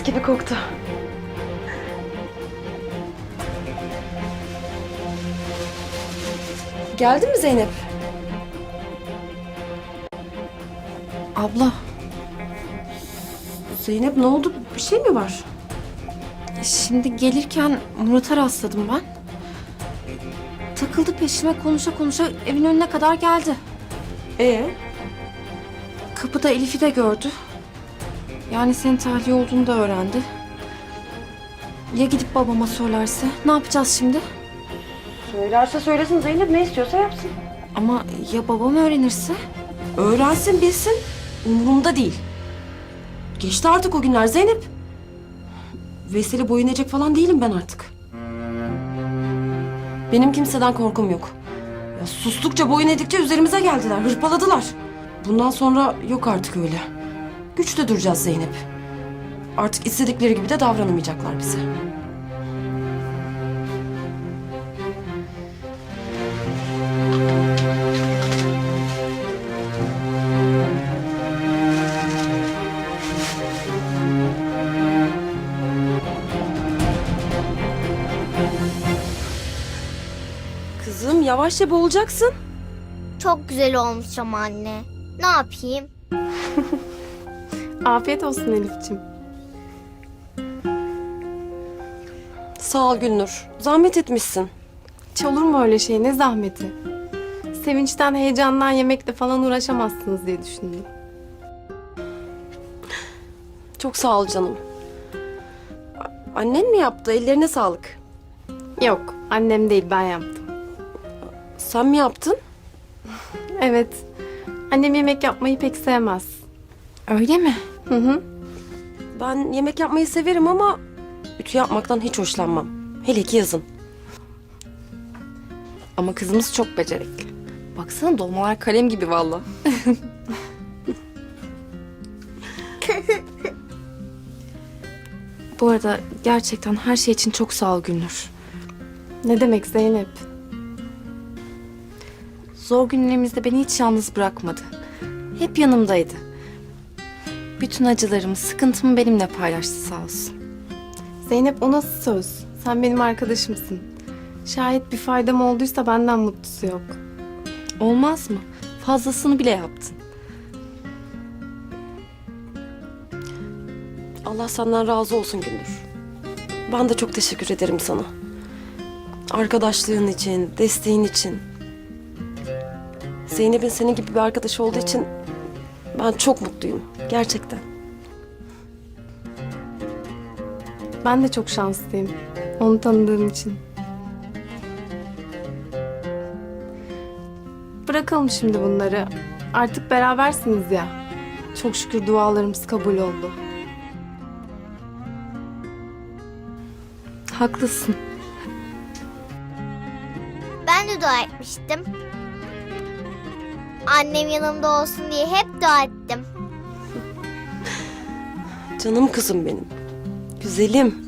gibi koktu. Geldi mi Zeynep? Abla, Zeynep ne oldu? Bir şey mi var? şimdi gelirken Murat'a rastladım ben. Takıldı peşime konuşa konuşa evin önüne kadar geldi. Kapıda Elif'i de gördü. Yani senin tahliye olduğunu da öğrendi. Ya gidip babama söylerse? Ne yapacağız şimdi? Söylerse söylesin Zeynep, ne istiyorsa yapsın. Ama ya babam öğrenirse? Öğrensin bilsin. Umurumda değil. Geçti artık o günler Zeynep. Veysel'e boyun eğecek falan değilim ben artık. Benim kimseden korkum yok. Ya sustukça boyun eğdikçe üzerimize geldiler, hırpaladılar. Bundan sonra yok artık öyle. Güçlü duracağız Zeynep. Artık istedikleri gibi de davranamayacaklar bize. Kızım yavaşça boğulacaksın. Çok güzel olmuş ama anne. Ne yapayım? Afiyet olsun Elif'ciğim. Sağ ol Gülnur. Zahmet etmişsin. Hiç olur mu öyle şey? Ne zahmeti? Sevinçten, heyecandan yemekle falan uğraşamazsınız diye düşündüm. Çok sağ ol canım. Annen mi yaptı? Ellerine sağlık. Yok, annem değil, ben yaptım. Sen mi yaptın? Evet, annem yemek yapmayı pek sevmez. Öyle mi? Hı hı. Ben yemek yapmayı severim ama ütü yapmaktan hiç hoşlanmam. Hele ki yazın. Ama kızımız çok becerikli. Baksana dolmalar kalem gibi valla. Bu arada gerçekten her şey için çok sağ ol Gülnur. Ne demek Zeynep? Zor günlerimizde beni hiç yalnız bırakmadı. Hep yanımdaydı. Bütün acılarımı, sıkıntımı benimle paylaştı sağ olsun. Zeynep, o nasıl söz? Sen benim arkadaşımsın. Şayet bir faydam olduysa benden mutlusu yok. Olmaz mı? Fazlasını bile yaptın. Allah senden razı olsun Gülnur. Ben de çok teşekkür ederim sana. Arkadaşlığın için, desteğin için. Zeynep'in senin gibi bir arkadaşı olduğu için ben çok mutluyum. Gerçekten. Ben de çok şanslıyım. Onu tanıdığım için. Bırakalım şimdi bunları. Artık berabersiniz ya. Çok şükür dualarımız kabul oldu. Haklısın. Ben de dua etmiştim. Annem yanımda olsun diye hep dua ettim. Canım kızım benim. Güzelim.